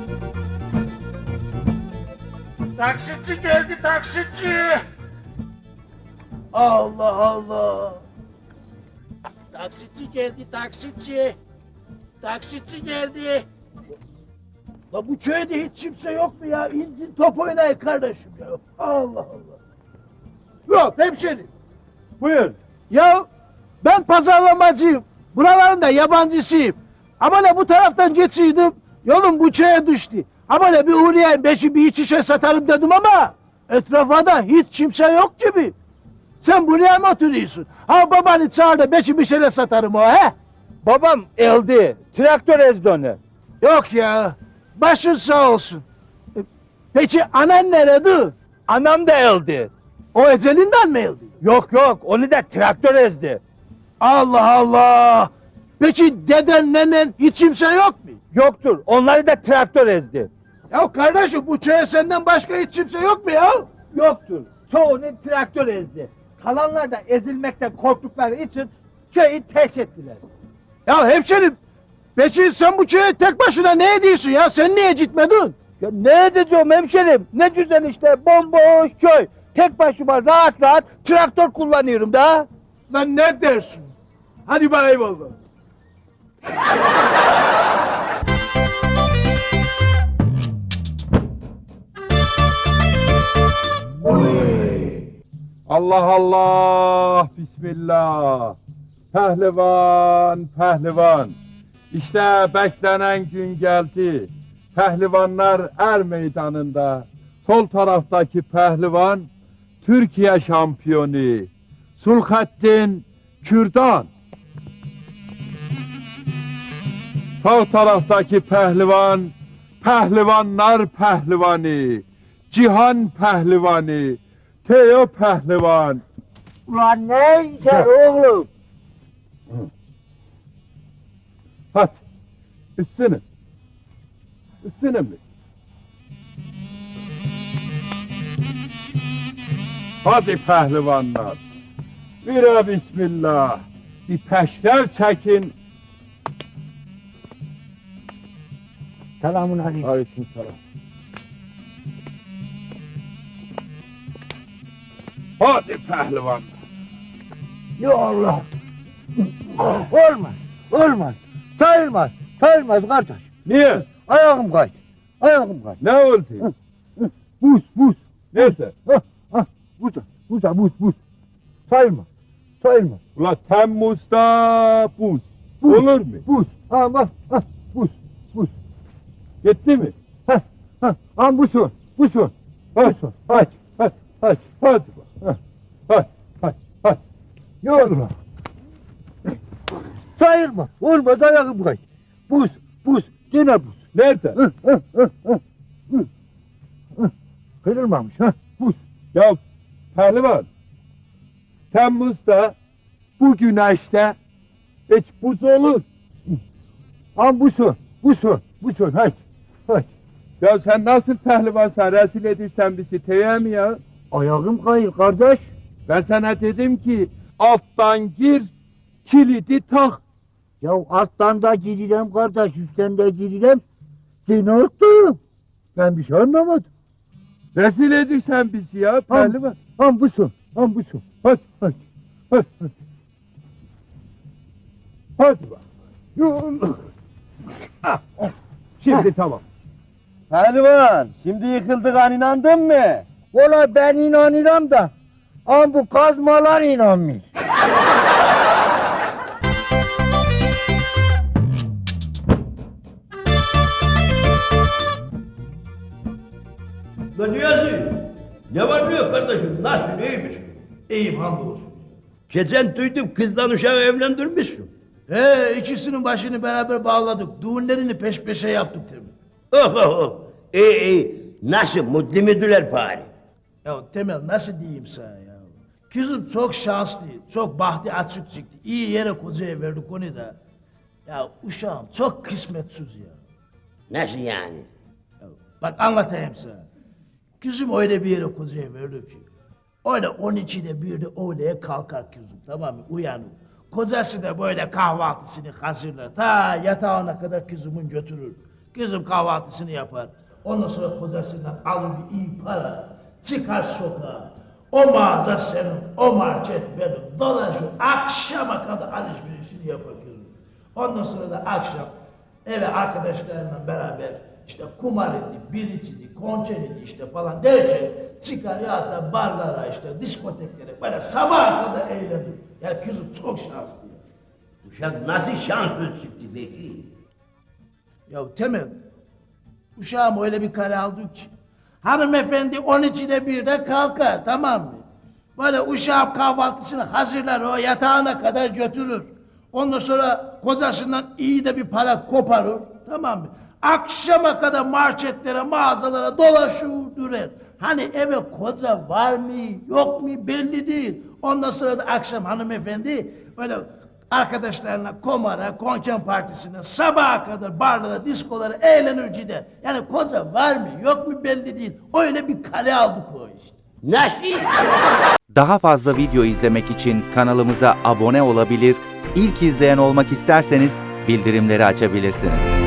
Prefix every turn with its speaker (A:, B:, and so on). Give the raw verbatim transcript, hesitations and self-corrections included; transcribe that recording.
A: Taksitçi geldi, taksitçi! Allah Allah! Taksitçi geldi, taksitçi! Taksitçi geldi! La bu köyde hiç kimse yok mu ya? İnsin top oynayın kardeşim ya! Allah Allah! Yok hemşerim!
B: Buyur.
A: Ya ben pazarlamacıyım. Buraların da yabancısıyım. Ama ne bu taraftan geçiyordum. Yolum bu köye düştü. Ama ne bir uğrayayım beşi bir iç işe satarım dedim ama etrafa da hiç kimse yok gibi. Sen buraya mı oturuyorsun? Ha babanı çağır da beşi bir şeyle satarım o he?
B: Babam eldi. Traktör ezdi onu.
A: Yok ya. Başın sağ olsun. E, Peki anan nerede?
B: Anam da eldi.
A: O ecelinden mi öldü?
B: Yok yok, onu da traktör ezdi.
A: Allah Allah. Peki deden nenen hiç kimse yok mu?
B: Yoktur, onları da traktör ezdi.
A: Ya kardeşim bu köye senden başka hiç kimse yok mu ya?
B: Yoktur, çoğunu traktör ezdi. Kalanlar da ezilmekten korktukları için köyü terk ettiler.
A: Ya hemşerim, peki sen bu köye tek başına ne ediyorsun ya? Sen niye gitmedin?
B: Ya ne edeceğim hemşerim? Ne güzel işte, bomboş köy. Tek başıma rahat rahat traktör kullanıyorum da.
A: Lan ne dersin? Hadi bana eyvallah.
C: Allah Allah, Bismillah. Pehlivan, pehlivan. İşte beklenen gün geldi. Pehlivanlar er meydanında. Sol taraftaki pehlivan Türkiye şampiyonu Sulhattin Kürdan. Sağ taraftaki pehlivan Pehlivanlar pehlivanı Cihan pehlivanı Teo pehlivan.
B: Ulan ne işler oğlum?
C: Hadi üstüne. Üstüne mi? Hadi pehlivanlar. Bira bismillah. Bir peşler çekin.
B: Selamun aleyküm.
C: Aleykümselam. Hadi pehlivan.
B: Ya Allah. Olmaz. Olmaz. Sayılmaz. Sayılmaz kardeş.
C: Niye?
B: Ayağım kaydı. Ayağım kaydı.
C: Ne oldu?
B: Buz buz.
C: Neyse.
B: Hah, hah. Burada. Burada buz buz. Sayılmaz. Sayılmaz.
C: Ula Temmuz'da buz.
B: Buz.
C: Olur mu?
B: Buz. Ha bak. Ha, buz. Buz.
C: Gitti mi?
B: Ha ha. Ha bu su. Bu su. Bu su.
C: Hadi. Hadi. Hadi. Hadi. Hadi. Hadi. Hadi. Hadi.
B: Yorma. Sayılmaz. Olmaz ayağım kaydı. Buz. Buz. Gene buz.
C: Nerede?
B: Hı, hı, hı, hı. Hı. Hı. Kırılmamış ha. Buz.
C: Ya pehlivan. Temmuz'da bu güneşte hiç buz olur.
B: Ha bu su. Bu su. Bu su. Haydi. Haydi.
C: Ya sen nasıl pehlivansan rezil edirsen bizi teye mi ya?
B: Ayağım kayır kardeş.
C: Ben sana dedim ki alttan gir kilidi tak.
B: Ya alttan da girilem kardeş, üstten de girilem. Seni unuttum. Ben bir şey anlamadım.
C: Rezil edirsen bizi ya pehlivan.
B: Ham bu su. Ham bu su.
C: Hadi hadi hadi hadi. Hadi bak. Ah, ah. Şimdi tamam.
B: Pehlivan, şimdi yıkıldık inandın mı? Valla ben inanıyorum da. Ama bu kazmalar inanmıyor.
D: Lan Niyazi, ne var ne yok kardeşim, nasıl, neymiş?
A: İyiyim hamdolsun.
D: Geçen duydum kızdan uşağı evlendirmişsin.
A: He ikisinin başını beraber bağladık. Düğünlerini peş peşe yaptık tabii.
D: Oh oh oh, iyi iyi, nasıl, mutlu müdüler bari?
A: Ya Temel nasıl diyeyim sana ya? Kızım çok şanslı, çok bahtı açık çıktı. İyi yere kocaya verdik onu da. Ya uşağım çok kısmetsiz ya.
D: Nasıl yani?
A: Ya bak anlatayım sana. Kızım öyle bir yere kocaya verdik ki. Öyle on ikide bir de öğleye kalkar kızım, tamam mı? Uyanır. Kocası da böyle kahvaltısını hazırlar. Ta yatağına kadar kızımın götürür. Kızım kahvaltısını yapar. Ondan sonra kocasından alır bir iyi para. Çıkar sokağa. O mağaza senin, o market benim. Dolaşır, akşama kadar alışverişini yapar kızım. Ondan sonra da akşam eve arkadaşlarımla beraber işte kumar idi, bir içiydi, konçer idi işte falan derken çıkar ya da barlara işte diskoteklere böyle sabaha kadar eğlenir. Yani kızım çok şanslı.
D: Uşak nasıl şanslı çıktı peki?
A: Ya Temel, uşağım öyle bir kare aldık ki hanımefendi on içine birde kalkar, tamam mı? Böyle uşağım kahvaltısını hazırlar, o yatağına kadar götürür. Ondan sonra kocasından iyi de bir para koparır, tamam mı? Akşama kadar marketlere, mağazalara dolaşır durur. Hani eve koca var mı, yok mu belli değil. Ondan sonra da akşam hanımefendi böyle arkadaşlarına komara, konken partisine, sabaha kadar barlara, diskolara eğlenir gider. Yani koca var mı, yok mu belli değil. Öyle bir kale aldık o işte.
D: Nasıl?
E: Daha fazla video izlemek için kanalımıza abone olabilir, ilk izleyen olmak isterseniz bildirimleri açabilirsiniz.